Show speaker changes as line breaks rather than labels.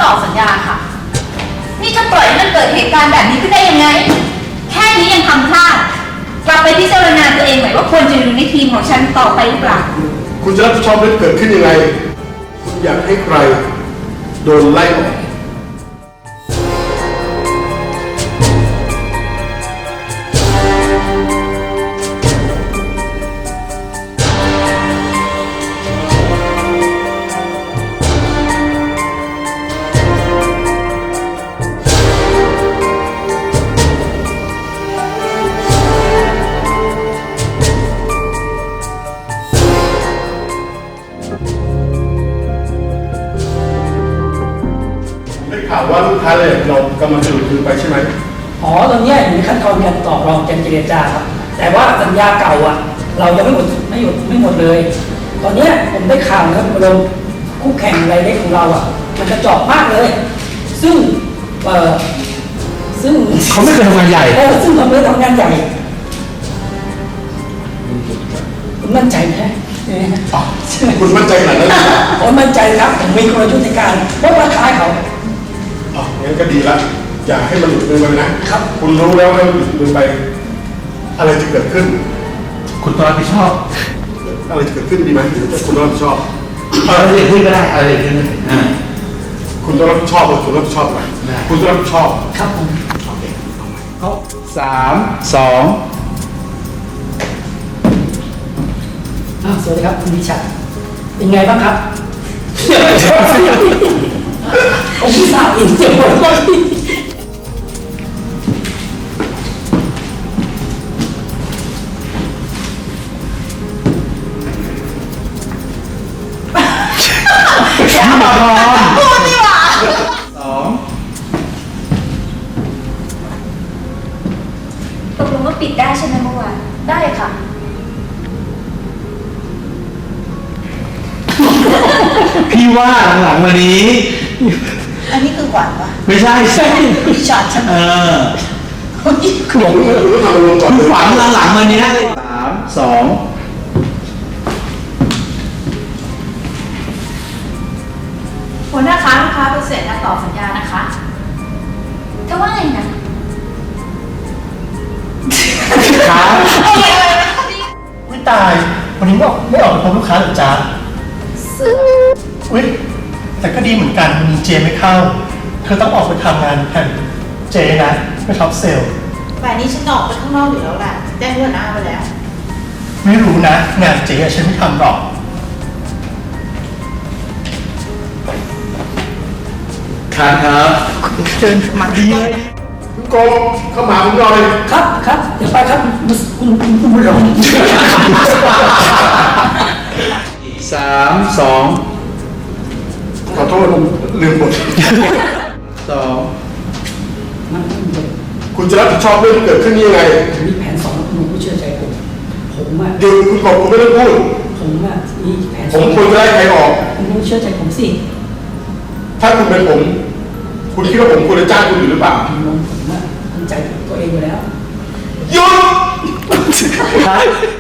ต่อสัญญาค่ะนี่จะปล่อยให้มันเกิดเหตุการณ์แบบนี้ขึ้นได้ยังไงแค่นี้ยังทำพลาดกลับไปพิจารณาตัวเองหน่อยว่าควรจะอยู่ในทีมของฉันต่อไปหรือเปล่า
คุณจะรับผิดชอบเรื่องเกิดขึ้นยังไงคุณอยากให้ใครโดนไล่ออกได้ข่าวว่าลูกค้าเลยเรากำลังจะหลุดมือไปใช่ไหม
อ๋อตอนนี้อยู่ในขั้นตอนการต่อรองการเจรจาครับแต่ว่าสัญญาเก่าเรายังไม่หมดเลยตอนนี้ผมได้ข่าวนะครับเราคู่แข่งรายเล็กของเรามันกระจอกมากเลยซึ่ง
เขาไม่เคยทำงานใหญ่
ซึ่งเราไม่ทำงานใหญ่คุณมั่นใจไหม
คุณมั่นใจขนาดนั้นเลย
ผมมั่นใจครับผมมีกลยุทธ์ในการลดราคาเขา
งั้นก็ดีละอย่าให้มันหลุดมือไปนะครับคุณรู้แล้วว่าหลุดมือไปอะไรจะเกิดขึ้น
คุณต้องรับผิดชอบ
อะไรจะเกิดขึ้นดีไหมหรือคุณต้องรับผิดชอบ
อะไรเกิดขึ้นก็ได้อะไรเกิดขึ้น
คุณต้องรับผิดชอบหรือคุณรับผิดชอบไหมคุณต้องรับผิดชอบ
ครับผม
โอเค
เขา3 2
สวัสดีครับคุณวิชัยเป็นไงบ้างครับผมพิสาอินเจ็บปวดมาก
พูดดีกว่าตกลงว่าปิดได้ใช่ไหมเมื่อวานได้ค่ะ
พี่ว่าหลังๆมานี้
อันนี้คือขวัญปะ
ไม่ใช่
พี่ช็อตใช่ไหม
คือบอกคุณทำลงก่อน
ฝันหลังๆมานี้3 2
หัวหน้าค้าลูกค้าไปเสร็จแล้วต่อสัญญานะคะจะว่าไงนะ
ครับ
วิตายวันนี้ไม่ออกไปพบลูกค้าหรือจ๊ะอุ๊ยแต่ก็ดีเหมือนกันวันนี้เจไม่เข้าเธอต้องออกไปทำงานแทนเจนะไปท็อปเซล
แต่นี้ฉันออกไปข้างนอกอยู่แล้วแหละแจ้งหัวหน้าไปแล้ว
ไม่รู้นะงานเจฉันไม่ทำหรอก
ครับ
เชิญมาดีเลย
คุณกรมเข้ามาผมหน่อย
ครับเดี๋ยวไปครับคุณบุญหลง
3 2
ขอโทษผมลืมบทคุณจะรับผิดชอบเรื่องที่เกิดขึ้นยังไง
มีแผน2คุณผู้เชื่อใจผม
หยุดคุณกรมคุณไม่ต้องพูด
มีแผน
ผมควรจะไล่ใครออก
คุณผู้เชื่อใจผมสิ
ถ้าคุณเป็นผมคุณคิดว่าผมควรจะจ้างคุณอยู่หรือเปล่า
ผมมั่นใจตัวเองอยู่แล้ว
หยุด